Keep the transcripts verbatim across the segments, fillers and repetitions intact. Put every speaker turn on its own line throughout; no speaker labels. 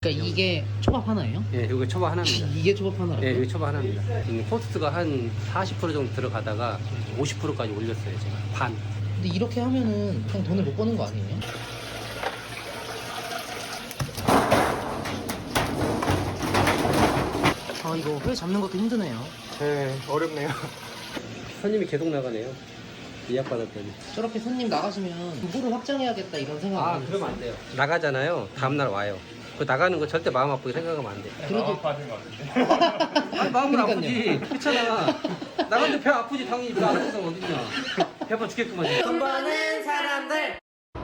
그러니까 이게 초밥 하나예요?
예, 이거 초밥 하나입니다.
이게 초밥 하나라고?
예, 이거 초밥 하나입니다. 지금 코스트가 한 사십 퍼센트 정도 들어가다가 오십 퍼센트까지 올렸어요, 제가. 반.
근데 이렇게 하면은 그냥 돈을 못 버는 거 아니에요? 아 이거 회 잡는 것도 힘드네요.
네, 어렵네요.
손님이 계속 나가네요. 예약 받았더니.
저렇게 손님 나가시면 부를 확장해야겠다 이런 생각
아,
안
그러면 안 돼요. 나가잖아요. 다음날 와요. 그 나가는 거 절대 마음 아프게 생각하면 안 돼.
그래도
받은 것 같은데.
아니, 마음은
그러니까요.
아프지. 그렇잖아. 나갔는데 배 아프지. 당연히 배 아픈 사람 어딨냐. 배 아파 죽겠구만.
돈 버는 사람들.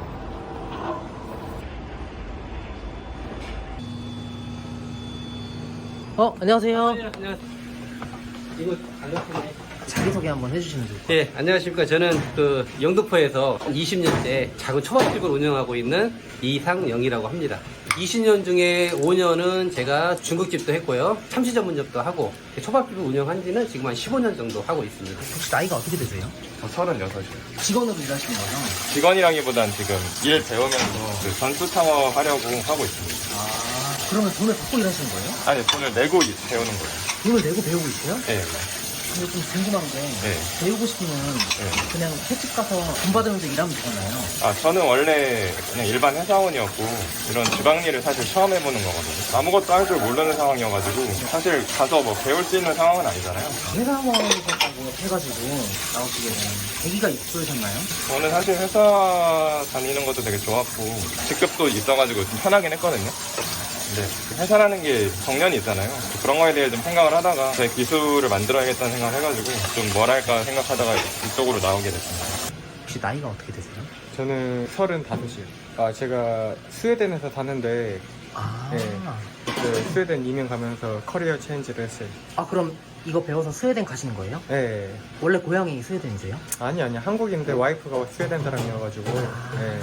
어 안녕하세요.
안녕하세요. 이거 안 넣었네.
자기소개 한번 해주시면 돼요.
예, 안녕하십니까. 저는 그 영등포에서 이십 년째 작은 초밥집을 운영하고 있는 이상영이라고 합니다. 이십 년 중에 오 년은 제가 중국집도 했고요. 참치 전문점도 하고 초밥집을 운영한 지는 지금 한 십오 년 정도 하고 있습니다.
혹시 나이가 어떻게 되세요?
저 서른여섯이요.
직원으로 일하시는 거죠?
직원이라기보단 지금 일 배우면서 그 전수 창업 하려고 하고 있습니다.
아 그러면 돈을 받고 일하시는 거예요?
아니, 돈을 내고 이- 배우는 거예요.
돈을 내고 배우고 있어요?
네.
근데 좀 궁금한 게
네.
배우고 싶으면
네.
그냥 횟집 가서 돈 받으면서 일하면 되잖아요.
아, 저는 원래 그냥 일반 회사원이었고, 이런 지방 일을 사실 처음 해보는 거거든요. 아무것도 할 줄 모르는 상황이어가지고, 사실 가서 뭐 배울 수 있는 상황은 아니잖아요.
회사원이셨다고 해가지고 나오시게 된 계기가 있으셨나요?
저는 사실 회사 다니는 것도 되게 좋았고, 직급도 있어가지고 좀 편하긴 했거든요. 근데 회사라는 게 정년이 있잖아요. 그런 거에 대해 좀 생각을 하다가 제 기술을 만들어야겠다는 생각을 해가지고 좀 뭘 할까 생각하다가 이쪽으로 나오게 됐습니다.
혹시 나이가 어떻게 되세요?
저는 서른다섯이요. 아, 제가 스웨덴에서 사는데,
아,
네. 그때 스웨덴 이민 가면서 커리어 체인지를 했어요.
아 그럼 이거 배워서 스웨덴 가시는 거예요?
네.
원래 고향이 스웨덴이세요?
아니, 아니, 한국인데 와이프가 스웨덴 사람이어가지고, 네.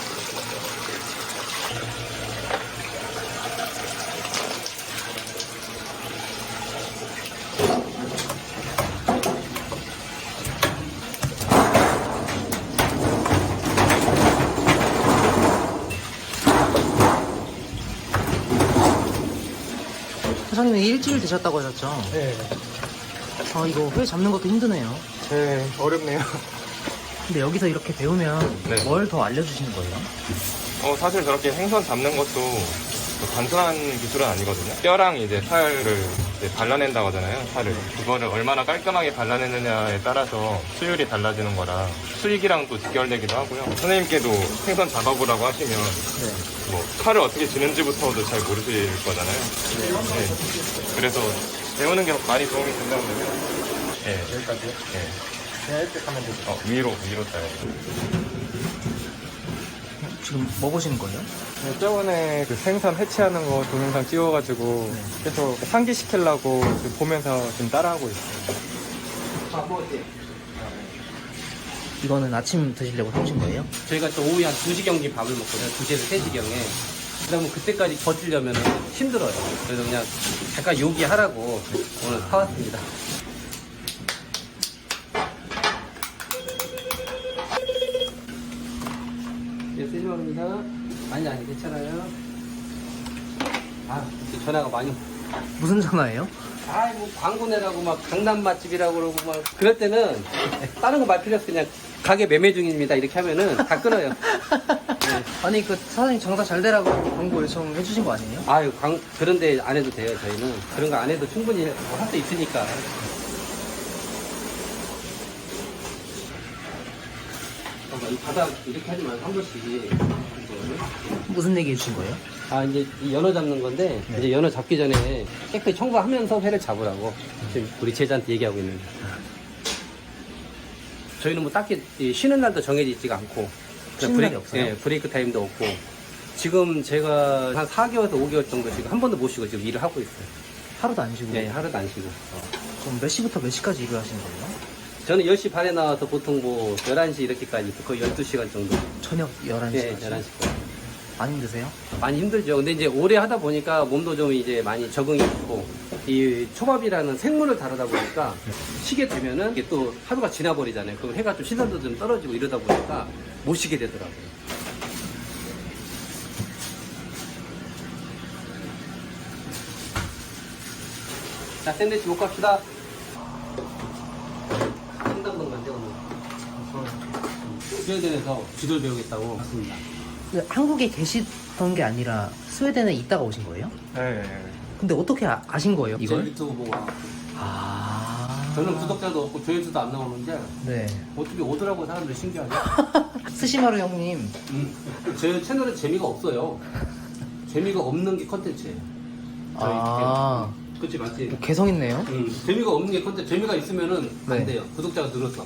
사장님이 일주일 되셨다고 하셨죠?
네.
아 이거 회 잡는 것도 힘드네요.
네, 어렵네요.
근데 여기서 이렇게 배우면
네.
뭘 더 알려주시는 거예요?
어, 사실 저렇게 생선 잡는 것도 뭐 단순한 기술은 아니거든요. 뼈랑 이제 살을 이제 발라낸다고 하잖아요. 살을. 그거를 얼마나 깔끔하게 발라내느냐에 따라서 수율이 달라지는 거라 수익이랑 또 직결되기도 하고요. 선생님께도 생선 잡아보라고 하시면
네.
뭐 칼을 어떻게 쥐는지부터도 잘 모르실 거잖아요. 네. 그래서 배우는 게 많이 도움이 된다고 그러면 네.
여기까지요?
네.
그냥 이렇게 하면 되죠.
어, 위로 위로 따요.
지금 뭐 보시는 거예요?
네, 저번에 그 생선 해체하는 거 동영상 찍어가지고,
네.
계속 상기시키려고 지금 보면서 지금 따라하고 있어요.
이거는 아침 드시려고 사오신 거예요?
저희가 또 오후에 한 두 시경쯤 밥을 먹거든요. 두 시에서 세 시경에. 그러면 그때까지 버티려면 힘들어요. 그래서 그냥 잠깐 요기하라고 오늘 사왔습니다. 네, 쓰지 말입니다. 아니, 아니, 괜찮아요. 아, 이렇게 전화가 많이.
무슨 전화예요?
아, 뭐 광고 내라고 막 강남 맛집이라고 그러고 막 그럴 때는 다른 거 말 필요 없어. 그냥 가게 매매 중입니다. 이렇게 하면은 다 끊어요. 네.
아니 그 사장님 장사 잘 되라고 광고 요청해 주신 거 아니에요?
아유, 광, 그런데 안 해도 돼요, 저희는. 그런 거 안 해도 충분히 할 수 있으니까. 잠깐만, 이 바닥 이렇게 하지 말고 한 번씩.
무슨 얘기 해주신 거예요?
아, 이제 이 연어 잡는 건데,
네.
이제 연어 잡기 전에 깨끗이 청소하면서 회를 잡으라고 지금 우리 제자한테 얘기하고 있는 거예요. 저희는 뭐 딱히 이 쉬는 날도 정해져 있지가 않고, 그냥
쉬는
브레이크,
날이 없어요?
예, 브레이크 타임도 없고, 지금 제가 한 사 개월에서 오 개월 정도 지금 한 번도 못 쉬고 지금 일을 하고 있어요.
하루도 안 쉬고
네, 하루도 안 쉬고.
그럼 몇 시부터 몇 시까지 일을 하시는 거예요?
저는 열 시 반에 나와서 보통 뭐 열한 시 이렇게까지 거의 열두 시간 정도.
저녁 열한
네,
시까지?
열한 시.
많이 힘드세요?
많이 힘들죠. 근데 이제 오래 하다 보니까 몸도 좀 이제 많이 적응이 됐고, 이 초밥이라는 생물을 다루다 보니까 쉬게 되면은 이게 또 하루가 지나버리잖아요. 그럼 해가 좀 시선도 좀 떨어지고 이러다 보니까 못 쉬게 되더라고요. 자, 샌드위치 못 갑시다. 상당동만 떼어놓고. 스웨덴에서 쥐돌 배우겠다고 왔습니다.
한국에 계시던 게 아니라 스웨덴에 있다가 오신 거예요?
네.
근데 어떻게 아, 아신 거예요,
제
이걸?
유튜브 보고 와.
아.
저는 구독자도 없고 조회수도 안 나오는데
네.
어떻게 오더라고 사람들이 신기하네.
스시마루 형님.
음. 제 채널에 재미가 없어요. 재미가 없는 게 컨텐츠예요. 저희
아.
게. 그치 맞지?
뭐 개성 있네요.
음. 재미가 없는 게 컨텐츠. 재미가 있으면은 안
네.
돼요. 구독자가 늘었어.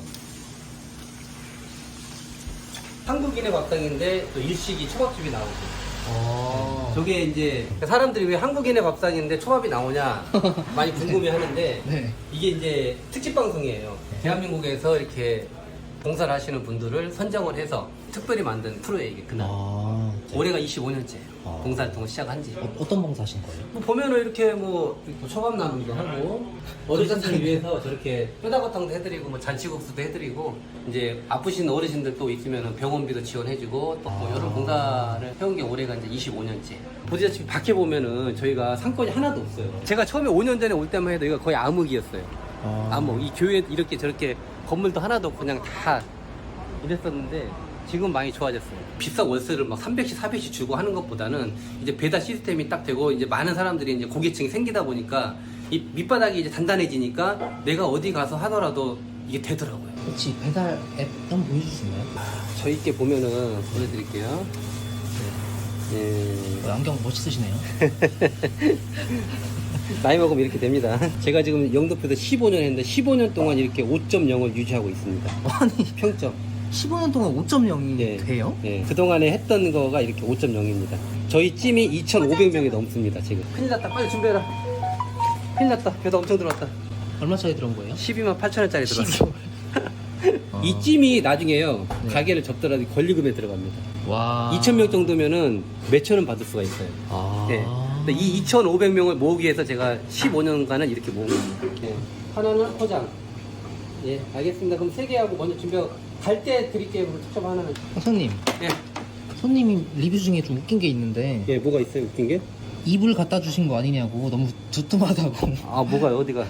한국인의 밥상인데 또 일식이 초밥집이 나오고.
어.
저게 이제 사람들이 왜 한국인의 밥상인데 초밥이 나오냐 많이 궁금해 하는데
네.
이게 이제 특집 방송이에요. 대한민국에서 이렇게 봉사를 하시는 분들을 선정을 해서 특별히 만든 프로예요, 이게 그날.
아.
올해가 이십오 년째
아.
봉사활동을 시작한 지.
어, 어떤 봉사 하신 거예요?
뭐 보면은 이렇게 뭐 초밥 나눔도 하고 어르신들 위해서 저렇게 뼈다귀탕도 해드리고 뭐 잔치국수도 해드리고 이제 아프신 어르신들 또 있으면 병원비도 지원해주고 또 뭐
아.
이런 봉사를 해온 게 올해가 이제 이십오 년째. 보시다시피 밖에 보면은 저희가 상권이 하나도 없어요. 제가 처음에 오 년 전에 올 때만 해도 이거 거의 암흑이었어요.
아.
암흑. 이 교회 이렇게 저렇게 건물도 하나도 없고 그냥 다 이랬었는데 지금 많이 좋아졌어요. 비싼 월세를 막 삼백씩, 사백씩 주고 하는 것보다는 이제 배달 시스템이 딱 되고 이제 많은 사람들이 이제 고객층이 생기다 보니까 이 밑바닥이 이제 단단해지니까 내가 어디 가서 하더라도 이게 되더라고요.
혹시 배달 앱 한번 보여줄 수 있나요?
저희께 보면은 보여드릴게요. 네.
어, 안경 멋있으시네요.
나이 먹으면 이렇게 됩니다. 제가 지금 영도표에서 십오 년 했는데 십오 년 동안 이렇게 오 점 영을 유지하고 있습니다.
아니,
평점.
십오 년 동안 오 점 영이
네.
돼요?
네, 그동안에 했던 거가 이렇게 오 점 영입니다. 저희 찜이 이천오백 명이 넘습니다, 지금. 큰일 났다, 빨리 준비해라. 큰일 났다, 배도 엄청 들어왔다.
얼마짜리 들어온 거예요?
십이만 팔천 원짜리 들어왔어.
십이만. 어.
이 찜이 나중에요,
네.
가게를 접더라도 권리금에 들어갑니다.
와.
이천 명 정도면은 몇천 원 받을 수가 있어요.
아.
네. 근데 이 이천오백 명을 모으기 위해서 제가 십오 년간은 이렇게 모은 겁니다. 네. 하나는 포장. 예, 알겠습니다. 그럼 세 개 하고 먼저 준비하고 갈 때 드릴게요. 그럼 직접 하나는.
어, 손님.
예.
손님이 리뷰 중에 좀 웃긴 게 있는데
예, 뭐가 있어요? 웃긴 게?
이불 갖다 주신 거 아니냐고 너무 두툼하다고.
아, 뭐가요? 어디가?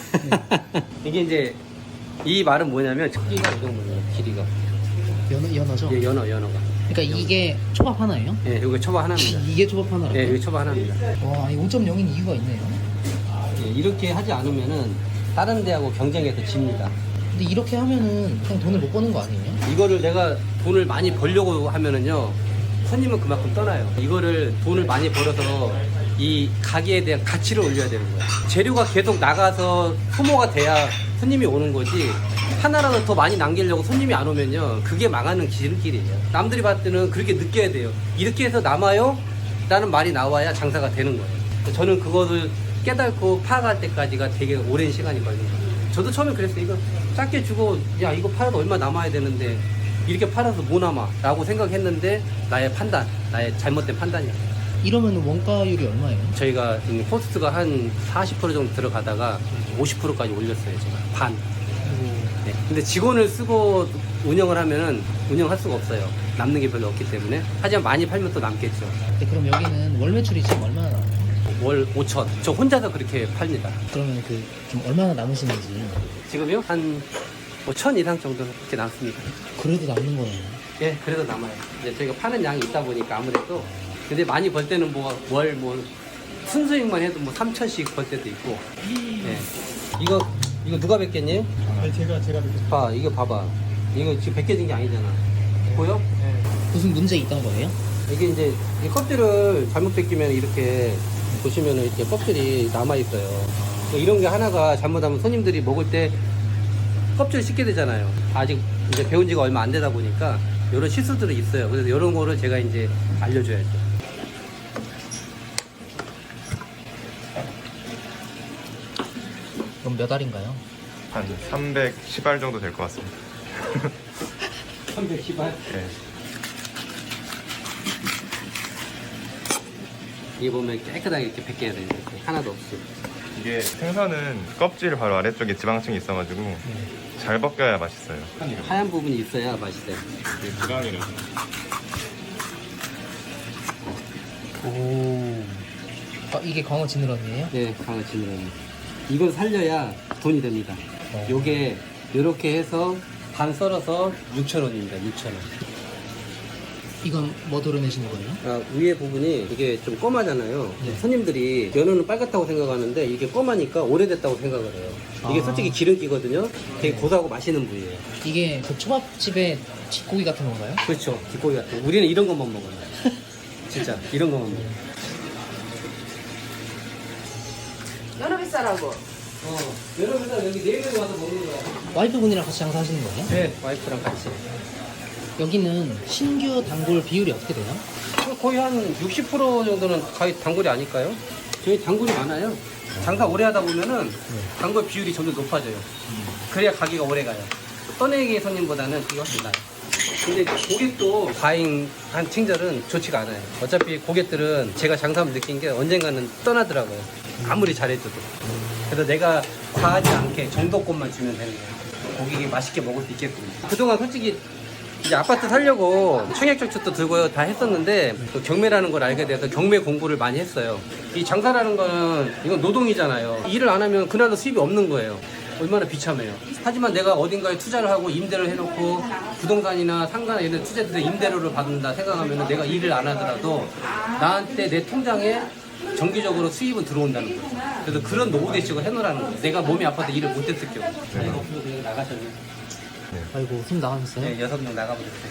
이게 이제 이 말은 뭐냐면 크기가 이 정도예요. 길이가.
연어, 연어죠?
예, 연어, 연어가.
그러니까 이게 초밥 하나예요?
예, 여기 초밥 하나입니다.
이게 초밥 하나라고요?
예, 여기 초밥 하나입니다.
와, 이 오 점 영인 이유가 있네요.
예, 이렇게 하지 않으면은 다른 데하고 경쟁해서 집니다.
근데 이렇게 하면은 그냥 돈을 못 버는 거 아니에요?
이거를 내가 돈을 많이 벌려고 하면은요, 손님은 그만큼 떠나요. 이거를 돈을 많이 벌어서 이 가게에 대한 가치를 올려야 되는 거예요. 재료가 계속 나가서 소모가 돼야 손님이 오는 거지, 하나라도 더 많이 남기려고 손님이 안 오면요, 그게 망하는 지름길이에요. 남들이 봤을 때는 그렇게 느껴야 돼요. 이렇게 해서 남아요? 라는 말이 나와야 장사가 되는 거예요. 저는 그거를 깨닫고 파악할 때까지가 되게 오랜 시간이 걸린 거예요. 저도 처음에 그랬어요. 이거 작게 주고, 야, 이거 팔아도 얼마 남아야 되는데 이렇게 팔아서 뭐 남아? 라고 생각했는데 나의 판단, 나의 잘못된 판단이에요.
이러면 원가율이 얼마예요?
저희가 지금 코스트가 한 사십 퍼센트 정도 들어가다가 오십 퍼센트까지 올렸어요, 제가. 반. 네. 근데 직원을 쓰고 운영을 하면은 운영할 수가 없어요. 남는 게 별로 없기 때문에. 하지만 많이 팔면 또 남겠죠.
네, 그럼 여기는 월 매출이 지금 얼마나 나와요?
월 오천. 저 혼자서 그렇게 팝니다.
그러면 그 좀 얼마나 남으시는지.
지금요? 한 천 이상 정도 이렇게 남습니다.
그래도 남는 거예요.
예, 그래도 남아요. 이제 저희가 파는 양이 있다 보니까 아무래도. 근데 많이 벌 때는 뭐 월 뭐 순수익만 해도 뭐 삼천씩 벌 때도 있고. 예. 이거 이거 누가 뵙겠니?
아니, 제가, 제가 뵙겠습니다.
봐, 이거 봐봐. 이거 지금 벗겨진 게 아니잖아. 보여?
네.
무슨 문제 있던 거예요?
이게 이제 이 껍질을 잘못 벗기면 이렇게 보시면은 이렇게 껍질이 남아 있어요. 이런 게 하나가 잘못하면 손님들이 먹을 때 껍질 씻게 되잖아요. 아직 이제 배운 지가 얼마 안 되다 보니까 이런 실수들이 있어요. 그래서 이런 거를 제가 이제 알려줘야죠.
그럼 몇 알인가요?
한 삼백십 알 정도 될 것 같습니다.
삼백십 알?
네.
이게 보면 깨끗하게 이렇게 벗겨야 돼요. 이렇게 하나도 없이.
이게 생선은 껍질 바로 아래쪽에 지방층이 있어가지고 잘 벗겨야 맛있어요.
하얀 부분이 있어야 맛있어요.
이게 지방이라서.
오. 아, 이게 광어 지느러미예요?
네, 강어 지느러미. 이걸 살려야 돈이 됩니다. 요게 이렇게 해서 반 썰어서 육천 원입니다. 육천 원.
이건 뭐 도려내시는 거예요?
아, 위에 부분이 이게 좀 검하잖아요.
네.
손님들이 연어는 빨갛다고 생각하는데 이게 검하니까 오래됐다고 생각을 해요. 이게
아.
솔직히 기름기거든요. 되게 고소하고 맛있는 부위예요.
이게 그 초밥집의 뒷고기 같은 건가요?
그렇죠. 뒷고기 같은 거. 우리는 이런 것만 먹어요. 진짜 이런 것만 먹어요.
연어 비싸라고.
어, 여러분들 여기 네 명이 와서 먹는 거야.
와이프분이랑 같이 장사하시는 거예요?
네, 와이프랑 같이.
여기는 신규 단골 비율이 어떻게 돼요?
거의 한 육십 퍼센트 정도는 거의 단골이 아닐까요? 저희 단골이 많아요. 장사 오래 하다 보면은 단골 비율이 점점 높아져요. 그래야 가게가 오래 가요. 떠내기 손님보다는 그게 훨씬 나아요. 근데 고객도 과잉한 친절은 좋지가 않아요. 어차피 고객들은 제가 장사하면 느낀 게 언젠가는 떠나더라고요. 아무리 잘해줘도. 그래서 내가 과하지 않게 정도권만 주면 되는 거예요. 고객이 맛있게 먹을 수 있게끔. 그동안 솔직히 이제 아파트 살려고 청약저축도 들고 다 했었는데 또 경매라는 걸 알게 돼서 경매 공부를 많이 했어요. 이 장사라는 거는 이건 노동이잖아요. 일을 안 하면 그날도 수입이 없는 거예요. 얼마나 비참해요. 하지만 내가 어딘가에 투자를 하고 임대를 해놓고 부동산이나 상가나 이런 투자들의 임대료를 받는다 생각하면 내가 일을 안 하더라도 나한테 내 통장에 정기적으로 수입은 들어온다는 거죠. 그래서 그런 노후 대책을 해놓으라는 거예요. 내가 몸이 아파서 일을 못했을 경우. 네. 없어서 그냥 나가셨네.
아이고 손 나가셨어요?
네, 여섯 명 나가버렸어요.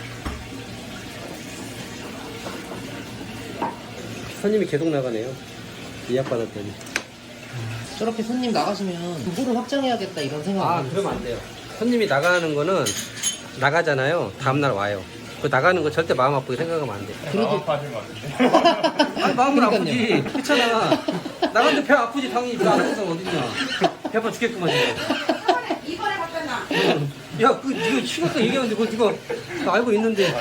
손님이 계속 나가네요. 예약 받았더니.
저렇게 손님 나가시면 부부를 확장해야겠다 이런 생각
아,
안 해요?
그러면 안 돼요. 손님이 나가는 거는 나가잖아요. 다음날 와요. 그 나가는 거 절대 마음 아프게 생각하면 안 돼.
그래도
빠진 것 같은데.
아니, 마음은
그러니까요.
아프지. 그렇잖아. 나가는데 배 아프지. 당연히 배 아픈 사람 어딨냐. 배 아파 죽겠구만. 이거.
이번에 갔잖아.
야, 그, 이거 쉬웠다 얘기하는데, 그거, 이거, 나 알고 있는데.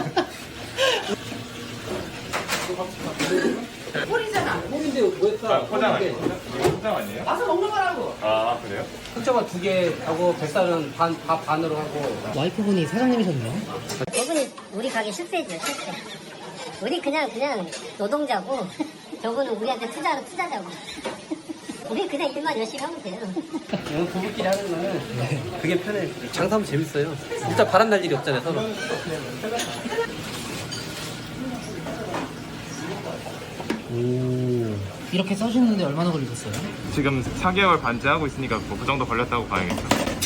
꼴이잖아.
홈인데 뭐 했어?
포장 아니에요? 포장 아니에요?
와서 먹는 거라고.
아, 그래요?
흑자가 두 개 하고, 뱃살은 반, 밥 반으로 하고.
와이프분이 사장님이셨네요?
저분이 우리 가게 실세죠, 실세. 우리 그냥, 그냥 노동자고, 저분은 우리한테 투자하는 투자자고. 우리 그냥 일만 열심히 하면 돼요.
이건 부부끼리 하는 거는 그게 편해. 장사하면 재밌어요. 일단 바람 날 일이 없잖아요, 서로. 오.
이렇게 써주는데 얼마나 걸리셨어요?
지금 사 개월 반째 하고 있으니까 뭐 그 정도 걸렸다고 봐야겠죠.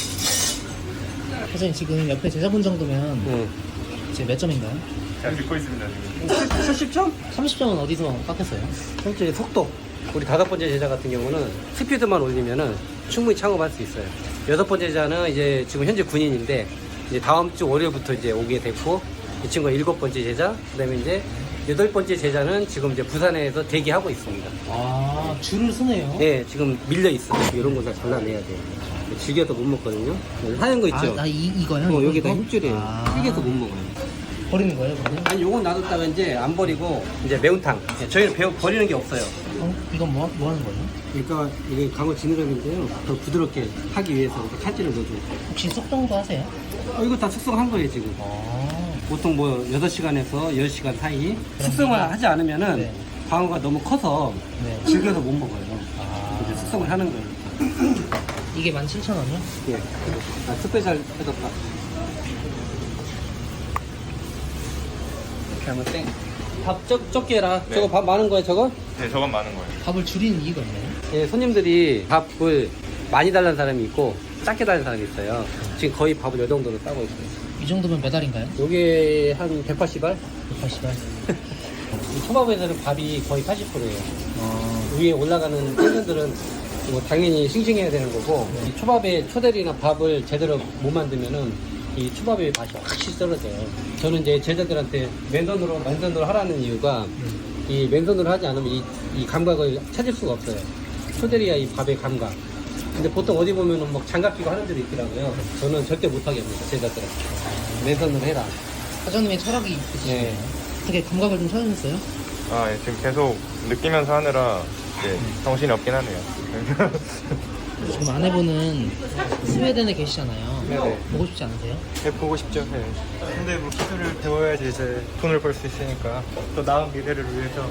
사장님 지금 옆에 제자분 정도면
응.
이제 몇 점인가요?
잘 듣고 있습니다, 지금.
칠십 점?
삼십 점은 어디서 깎였어요?
솔직히 속도. 우리 다섯 번째 제자 같은 경우는 스피드만 올리면은 충분히 창업할 수 있어요. 여섯 번째 제자는 이제 지금 현재 군인인데 이제 다음 주 월요일부터 이제 오게 됐고 이 친구가 일곱 번째 제자, 그다음에 이제 여덟 번째 제자는 지금 이제 부산에서 대기하고 있습니다.
아 줄을 서네요?
네, 지금 밀려 있어요. 이런 거 다 잘라내야 돼요. 질겨서 못 먹거든요. 하얀 거 있죠?
아, 아 이, 이거요?
어,
이거,
여기다
이거?
힘줄이에요.
아.
튀겨서 못 먹어요.
버리는 거예요 그러면?
아니, 요건 놔뒀다가 이제 안 버리고 이제 매운탕. 저희는 배, 버리는 게 없어요.
어? 이건 뭐, 뭐 하는 거예요?
그러니까 이게 강어 지느러미인데요. 더 부드럽게 하기 위해서 이렇게 칼질을 넣어줘요.
혹시 숙성도 하세요?
어, 이거 다 숙성한 거예요, 지금.
아
보통 뭐 여섯 시간에서 열 시간 사이 숙성을
기간?
하지 않으면은
네.
광어가 너무 커서
네.
질겨서 못 먹어요.
아.
이제 숙성을 하는 거예요.
이게 만 칠천 원이요?
예. 아, 스페셜 해줬다. 이렇게 하면 땡. 밥 적, 적게 해라.
네.
저거 밥 많은 거야, 저거?
네, 저건 많은 거예요.
밥을 줄이는 이유가 있나요?
예, 손님들이 밥을 많이 달라는 사람이 있고 작게 달라는 사람이 있어요. 지금 거의 밥을 이 정도로 싸고 있어요.
이 정도면 몇 알인가요?
요게 한 백팔십 알?
백팔십 알.
이 초밥에서는 밥이 거의 팔십 퍼센트예요.
어,
위에 올라가는 팬들은 뭐 당연히 싱싱해야 되는 거고 이 초밥에 초대리나 밥을 제대로 못 만들면은 이 초밥의 맛이 확실히 떨어져요. 저는 이제 제자들한테 맨손으로 맨손으로 하라는 이유가 이 맨손으로 하지 않으면 이, 이 감각을 찾을 수가 없어요. 초대리야 이 밥의 감각. 근데 보통 어디 보면은 뭐 장갑 끼고 하는 데도 있더라고요. 저는 절대 못하게 합니다. 제자들한테 맨손으로 해라.
사장님의 철학이 있으시네요.
네.
어떻게 감각을 좀 찾으셨어요?
아, 예, 지금 계속 느끼면서 하느라 이제 정신이 없긴 하네요.
지금 아내분은 스웨덴에 계시잖아요.
네네.
보고 싶지 않으세요?
네, 보고 싶죠. 네. 근데 뭐 기술을 배워야지 이제 돈을 벌 수 있으니까 더 나은 미래를 위해서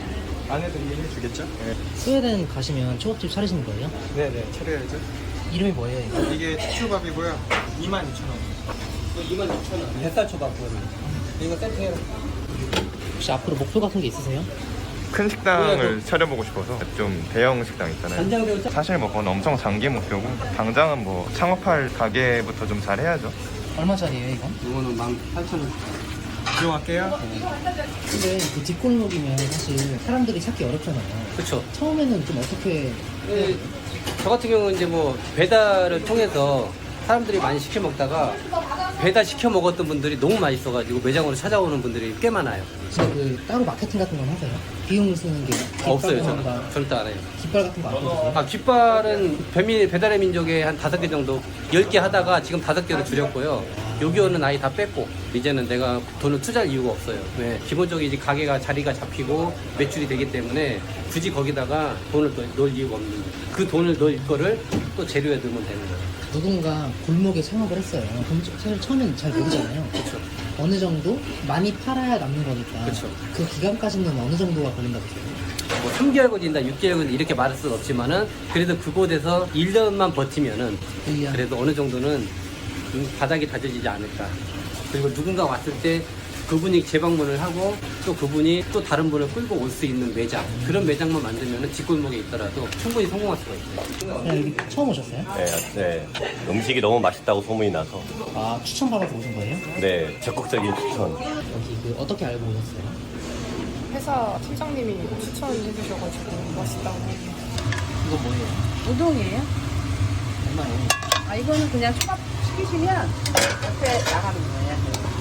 아내들이 해주겠죠? 네.
스웨덴 가시면 초밥집 차리시는 거예요?
네네, 차려야죠.
이름이 뭐예요, 이거?
이게 추초밥이고요. 이만 이천 원.
이만 육천 원. 뱃살 초밥 그거는. 이거 세트해요.
혹시 앞으로 목표 같은 게 있으세요?
큰 식당을 차려보고 싶어서 좀 대형 식당 있잖아요.
간장새우 짜.
사실 뭐 그건 엄청 장기 목표고 당장은 뭐 창업할 가게부터 좀 잘 해야죠.
얼마짜리예요, 이건?
이거는 만 팔천 원.
들어갈게요.
근데 그 뒷골목이면 사실 사람들이 찾기 어렵잖아요.
그렇죠.
처음에는 좀 어떻게
네, 저 같은 경우는 이제 뭐 배달을 통해서 사람들이 많이 시켜 먹다가 배달 시켜 먹었던 분들이 너무 맛있어가지고 매장으로 찾아오는 분들이 꽤 많아요.
진짜 그 따로 마케팅 같은 건 하세요? 비용을 쓰는 게
없어요, 저는.
깃발이라던가
절대 안 해요.
깃발 같은 거 안 써주세요?
아, 깃발은 배미, 배달의 민족에 한 다섯 개 정도, 열 개 하다가 지금 다섯 개로 줄였고요. 요기요는 아예 다 뺐고, 이제는 내가 돈을 투자할 이유가 없어요. 왜? 기본적으로 이제 가게가 자리가 잡히고 매출이 되기 때문에 굳이 거기다가 돈을 또 넣을 이유가 없는 거예요. 그 돈을 넣을 거를 또 재료에 넣으면 되는 거예요.
누군가 골목에 창업을 했어요. 그럼 사실 처음엔 잘 모르잖아요.
그렇죠.
어느 정도 많이 팔아야 남는 거니까
그쵸.
그 기간까지는 어느 정도가 걸린다고 보세요?
뭐 삼 개월 걸린다, 육 개월 걸린다 이렇게 말할 수는 없지만은 그래도 그곳에서 일 년만 버티면은
일 년.
그래도 어느 정도는 바닥이 다져지지 않을까. 그리고 누군가 왔을 때 그분이 재방문을 하고 또 그분이 또 다른 분을 끌고 올 수 있는 매장, 그런 매장만 만들면은 뒷골목에 있더라도 충분히 성공할 수가 있어요.
그냥 여기 처음 오셨어요?
네, 네. 음식이 너무 맛있다고 소문이 나서
아, 추천받아서 오신 거예요?
네, 적극적인 추천.
여기 그 어떻게 알고 오셨어요?
회사 팀장님이 추천해 주셔가지고 맛있다고.
이거 뭐예요?
우동이에요?
얼마예요?
아, 이거는 그냥 초밥 시키시면 옆에 나가는 거예요.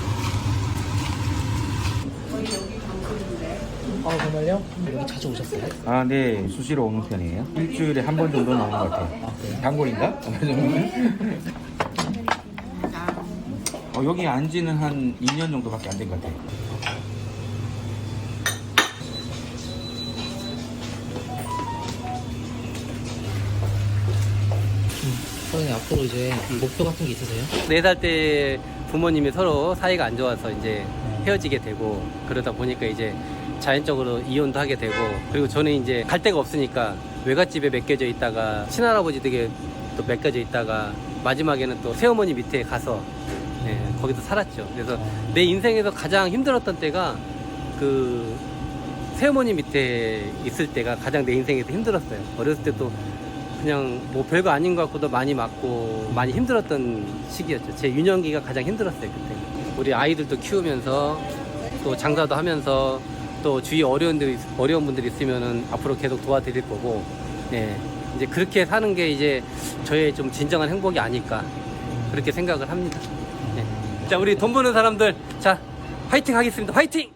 거의 여기 방송인데.
아, 정말요? 여기 자주 오셨어요?
아, 네. 수시로 오는 편이에요. 일주일에 한 번 정도 나오는 것 같아요.
아, 그래요?
단골인가? 어, 여기 안 지는 한 이 년 정도밖에 안 된 것 같아요.
선생님 앞으로 이제 목표 같은 게 있으세요?
네 살 때 부모님이 서로 사이가 안 좋아서 이제 헤어지게 되고 그러다 보니까 이제 자연적으로 이혼도 하게 되고 그리고 저는 이제 갈 데가 없으니까 외갓집에 맡겨져 있다가 친할아버지 댁에 또 맡겨져 있다가 마지막에는 또 새어머니 밑에 가서 네, 거기서 살았죠. 그래서 내 인생에서 가장 힘들었던 때가 그 새어머니 밑에 있을 때가 가장 내 인생에서 힘들었어요. 어렸을 때도 그냥 뭐 별거 아닌 것 같고도 많이 맞고 많이 힘들었던 시기였죠. 제 유년기가 가장 힘들었어요, 그때. 우리 아이들도 키우면서 또 장사도 하면서 또 주위 어려운, 데, 어려운 분들이 있으면은 앞으로 계속 도와드릴 거고, 네. 이제 그렇게 사는 게 이제 저의 좀 진정한 행복이 아닐까. 그렇게 생각을 합니다. 네. 자, 우리 돈 버는 사람들, 자, 화이팅 하겠습니다. 화이팅!